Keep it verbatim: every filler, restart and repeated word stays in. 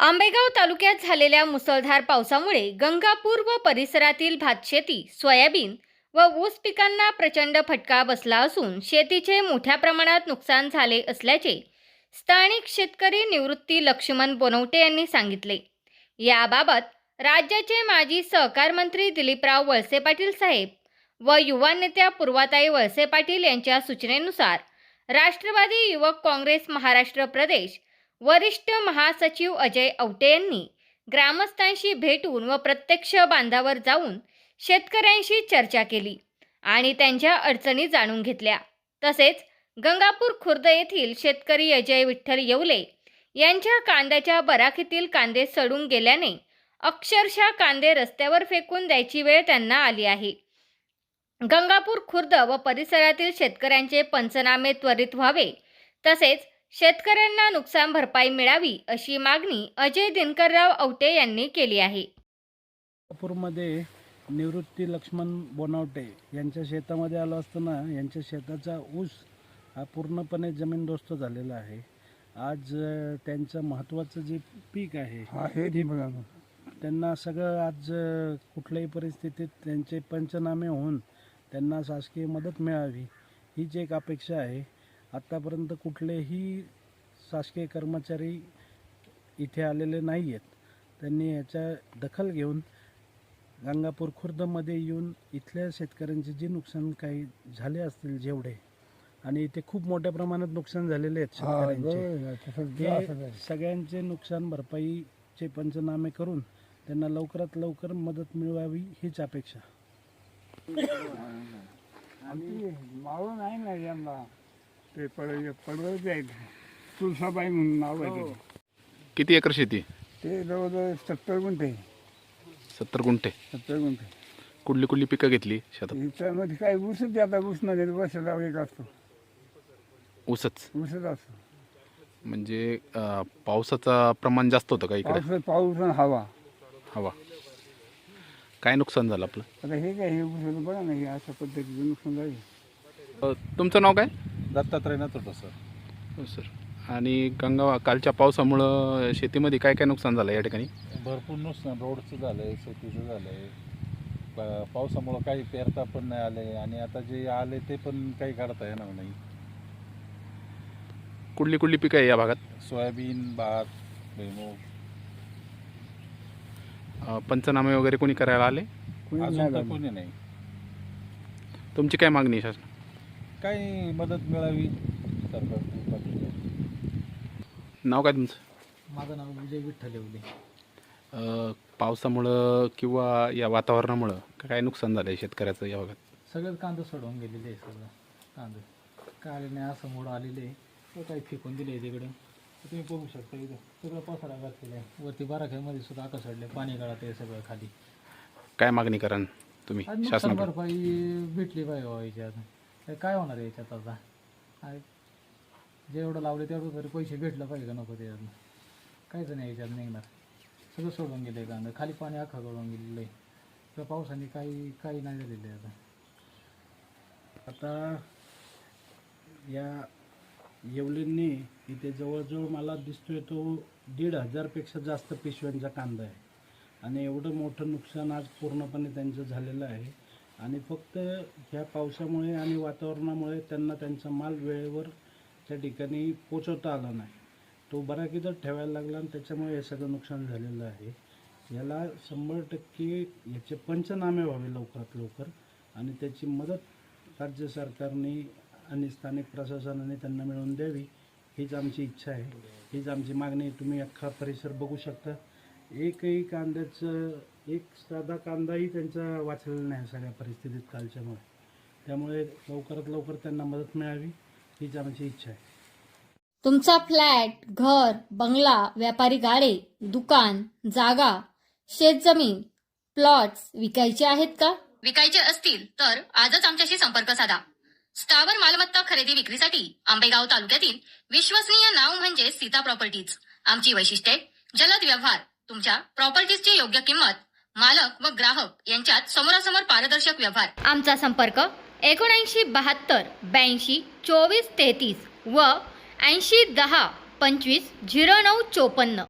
आंबेगाव तालुक्यात झालेल्या मुसळधार पावसामुळे गंगापूर व परिसरातील भातशेती, सोयाबीन व ऊस पिकांना प्रचंड फटका बसला असून शेतीचे मोठ्या प्रमाणात नुकसान झाले असल्याचे स्थानिक शेतकरी निवृत्ती लक्ष्मण बोनवटे यांनी सांगितले। याबाबत राज्याचे माजी सहकार मंत्री दिलीपराव वळसे पाटील साहेब व युवा नेत्या पूर्वाताई वळसे पाटील यांच्या सूचनेनुसार राष्ट्रवादी युवक काँग्रेस महाराष्ट्र प्रदेश वरिष्ठ महासचिव अजय औटे यांनी ग्रामस्थांशी भेटून व प्रत्यक्ष बांधावर जाऊन शेतकऱ्यांशी चर्चा केली आणि त्यांच्या अडचणी जाणून घेतल्या। तसेच गंगापूर खुर्द येथील शेतकरी अजय विठ्ठल येवले यांच्या कांद्याच्या बराखीतील कांदे सडून गेल्याने अक्षरशः कांदे रस्त्यावर फेकून द्यायची वेळ त्यांना आली आहे। गंगापूर खुर्द व परिसरातील शेतकऱ्यांचे पंचनामे त्वरित व्हावे तसेच शेतकऱ्यांना नुकसान भरपाई मिळावी अशी मागणी अजय दिनकरराव औटे यांनी केली आहे। गंगापूरमध्ये निवृत्ती लक्ष्मण बोनवटे यांच्या शेतामध्ये आलो असताना यांच्या शेताचा ऊस हा पूर्णपणे जमीनदोस्त झालेला आहे। आज अ, त्यांचं महत्त्वाचं जे पीक आहे हे ती बघा त्यांना सगळं आज अ, कुठल्याही परिस्थितीत त्यांचे पंचनामे होऊन त्यांना शासकीय मदत मिळावी हीच एक अपेक्षा आहे। आत्तापर्यंत कुठलेही शासकीय कर्मचारी इथे आलेले नाही आहेत। त्यांनी याच्या दखल घेऊन गंगापूर खुर्दमध्ये येऊन इथल्या शेतकऱ्यांचे जे नुकसान काही झाले असतील जेवढे आणि इथे खूप मोठ्या प्रमाणात नुकसान झालेले आहेत शेतकऱ्यांचे, ते सगळ्यांचे नुकसान भरपाईचे पंचनामे करून त्यांना लवकरात लवकर मदत मिळवावी हीच अपेक्षा। मावळ नाही ना यांना ते पड पडवळ आहेत तुळसाबाई म्हणून नाव आहे ते. किती एकर शेती? ते जवळजवळ सत्तर गुंठे सत्तर गुंठे। सत्तर गुंठे कुठली कुठली पिकं घेतली शेतात? त्यामध्ये काय ऊसच आता ऊस नाही वर्षाला एक असतो ऊसच ऊसच असतो। म्हणजे अं, पावसाचं प्रमाण जास्त होतं का इकडे? पाऊस पाऊस आणि हवा हवा। काय नुकसान झालं आपलं? आता हे काय हे ऊस बघा ना हे अशा पद्धतीचं नुकसान झाले। अं, तुमचं नाव काय? दत्तात्रय नातोडे सर. हो सर। आणि गंगा कालच्या पावसामुळं शेतीमध्ये काय काय नुकसान झालं या ठिकाणी? भरपूर नुकसान रोडचं झालं आहे, शेतीचं झालं आहे, पावसामुळं काही पेरता पण नाही आले आणि आता जे आले ते पण काही काढता येणार नाही। कुठली कुठली पिकं आहे या भागात? सोयाबीन, भात, भुईमूग। अं, पंचनामे वगैरे कोणी करायला आले? कोणी अजून नाही तर झालं. कोणी नाही। तुमची काय मागणी आहे शासन? काही मदत मिळावी सरकारकडून। नाव काय तुमचं? माझं नाव विजय विठ्ठल येवले। अं, पावसामुळं किंवा या वातावरणामुळं काय नुकसान झालं आहे शेतकऱ्याचं या भागात? सगळं कांदे सोडवून गेलेले आहे, सगळं कांदे काय नाही असं मोड आलेले आहे, तो काही फेकून दिले आहे तिकडं। तुम्ही बघू शकता इथं सगळं पसारा घातलेलं आहे, वरती बाराख्यामध्ये सुद्धा आका सोडले, पाणी गळात आहे सगळं खाली। काय मागणी कराल तुम्ही आज नुकसान शासनाकडे? भरपाई भेटली पाहिजे बाबा याच्यात, काय काय होणार आहे याच्यात आता? काय जेवढं लावले तेवढं तरी पैसे भेटलं पाहिजे का नको? त्याच्यातनं काहीच नाही याच्यात निघणार, सगळं सोडून गेलं आहे कांदा, खाली पाणी अख्खा गळून गेलेलं आहे, त्या पावसाने काही काही नाही झालेलं आहे आता। आता या येवलेंनी इथे जवळजवळ मला दिसतोय तो दीड हजारपेक्षा जास्त पिशव्यांचा कांदा आहे आणि एवढं मोठं नुकसान आज पूर्णपणे त्यांचं झालेलं आहे। आणि फक्त ह्या पावसामुळे आणि वातावरणामुळे त्यांना त्यांचा माल वेळेवर त्या ठिकाणी पोचवता आला नाही, तो बराकीतच ठेवायला लागला आणि त्याच्यामुळे हे सगळं नुकसान झालेलं आहे। याला शंभर टक्के याचे पंचनामे व्हावे लवकरात लवकर आणि त्याची मदत राज्य सरकारने आणि स्थानिक प्रशासनाने त्यांना मिळवून द्यावी हीच आमची इच्छा आहे, हीच आमची मागणी आहे। तुम्ही अख्खा परिसर बघू शकता, एकही कांद्याचं एक साधा कांदाही त्यांचा वाचलेला नाही सगळ्या परिस्थितीत कालच्यामुळे, त्यामुळे लवकरात लवकर त्यांना मदत मिळावी हीच आमची इच्छा आहे। तुमचा फ्लॅट, घर, बंगला, व्यापारी गाडे, दुकान, जागा, शेतजमीन, प्लॉट्स विकायचे आहेत का? विकायचे असतील तर आजच आमच्याशी संपर्क साधा। स्थावर मालमत्ता खरेदी विक्रीसाठी आंबेगाव तालुक्यातील विश्वसनीय नाव म्हणजे सीता प्रॉपर्टीज। आमची वैशिष्ट्ये: जलद व्यवहार, तुमच्या प्रॉपर्टीजची योग्य किंमत, मालक व ग्राहक यांच्यात समोरासमोर पारदर्शक व्यवहार। आमचा संपर्क एकोणऐंशी बहात्तर ब्याऐंशी चोवीस तेहतीस व ऐंशी दहा पंचवीस झिरो नऊ चोपन्न।